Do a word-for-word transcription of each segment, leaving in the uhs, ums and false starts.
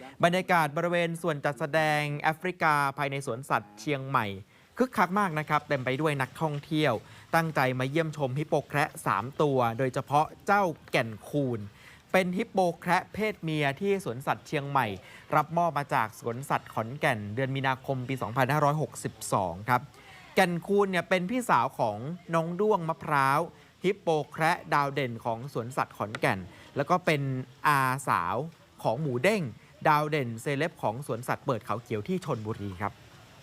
บรรยากาศบริเวณส่วนจัดแสดงแอฟริกาภายในสวนสัตว์เชียงใหม่คึกคักมากนะครับเต็มไปด้วยนักท่องเที่ยวตั้งใจมาเยี่ยมชมฮิปโปแคระสามตัวโดยเฉพาะเจ้าแก่นคูนเป็นฮิปโปแคระเพศเมียที่สวนสัตว์เชียงใหม่รับมอบมาจากสวนสัตว์ขอนแก่นเดือนมีนาคมปี สองพันห้าร้อยหกสิบสอง ครับแก่นคูนเนี่ยเป็นพี่สาวของน้องด้วงมะพร้าวฮิปโปแคระดาวเด่นของสวนสัตว์ขอนแก่นแล้วก็เป็นอาสาวของหมูเด้งดาวเด่นเซเลบของสวนสัตว์เปิดเขาเขียวที่ชลบุรีครับ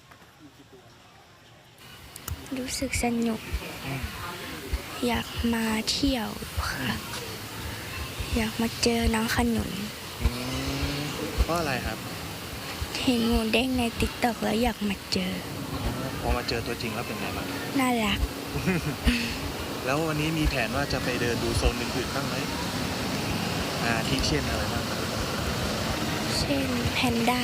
รู้สึกสนุกอยากมาเที่ยวค่ะอยากมาเจอน้องขนุนเพราะอะไรครับเห็นหมูเด้งในติ๊กต็อกแล้วอยากมาเจอพอมาเจอตัวจริงแล้วเป็นไงบ้างน่ารักแล้ววันนี้มีแผนว่าจะไปเดินดูโซนอื่นๆบ้างไหมอ่าที่เช่นอะไรบ้างเช่นแพนด้า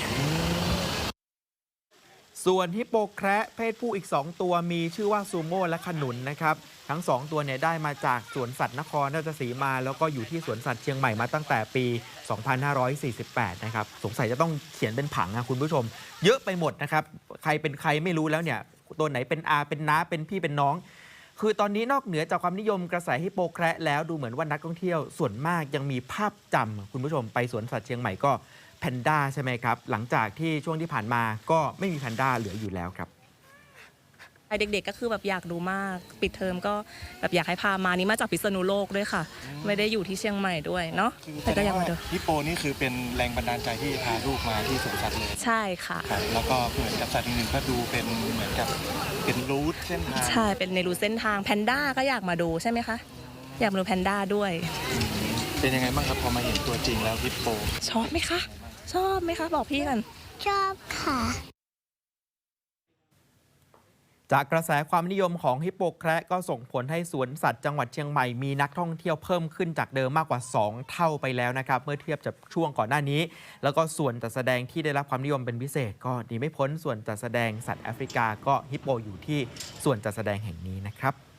ส่วนฮิปโปแคระเพศผู้อีกสองตัวมีชื่อว่าซูโม่และขนุนนะครับทั้งสองตัวเนี่ยได้มาจากสวนสัตว์นครราชสีมาแล้วก็อยู่ที่สวนสัตว์เชียงใหม่มาตั้งแต่ปี สองพันห้าร้อยสี่สิบแปด นะครับสงสัยจะต้องเขียนเป็นผังนะคุณผู้ชมเยอะไปหมดนะครับใครเป็นใครไม่รู้แล้วเนี่ยตัวไหนเป็นอาเป็นน้าเป็นพี่เป็นน้องคือตอนนี้นอกเหนือจากความนิยมกระแสฮิปโปแคระแล้วดูเหมือนว่านักท่องเที่ยวส่วนมากยังมีภาพจำคุณผู้ชมไปสวนสัตว์เชียงใหม่ก็แพนด้าใช่ไหมครับหลังจากที่ช่วงที่ผ่านมาก็ไม่มีแพนด้าเหลืออยู่แล้วครับเด็กๆก็คือแบบอยากดูมากปิดเทอมก็แบบอยากให้พามานี่มาจากพิษณุโลกด้วยค่ะไม่ได้อยู่ที่เชียงใหม่ด้วยเนาะแต่ก็อยากมาดูฮิปโปนี่คือเป็นแรงบันดาลใจที่พาลูกมาที่สวนสัตว์เลยใช่ค่ะแล้วก็เหมือนกับสัตว์อื่นๆก็ดูเป็นเหมือนกับเป็นรูทเส้นทางใช่เป็นในรูทเส้นทางแพนด้าก็อยากมาดูใช่ไหมคะอยากมาดูแพนด้าด้วยเป็นยังไงบ้างครับพอมาเห็นตัวจริงแล้วฮิปโปชอบไหมคะชอบไหมคะบอกพี่กันชอบค่ะจากกระแสความนิยมของฮิปโปแคระก็ส่งผลให้สวนสัตว์จังหวัดเชียงใหม่มีนักท่องเที่ยวเพิ่มขึ้นจากเดิมมากกว่าสองเท่าไปแล้วนะครับเมื่อเทียบจากช่วงก่อนหน้านี้แล้วก็ส่วนจัดแสดงที่ได้รับความนิยมเป็นพิเศษก็หนีไม่พ้นส่วนจัดแสดงสัตว์แอฟริกาก็ฮิปโปอยู่ที่ส่วนจัดแสดงแห่งนี้นะครับ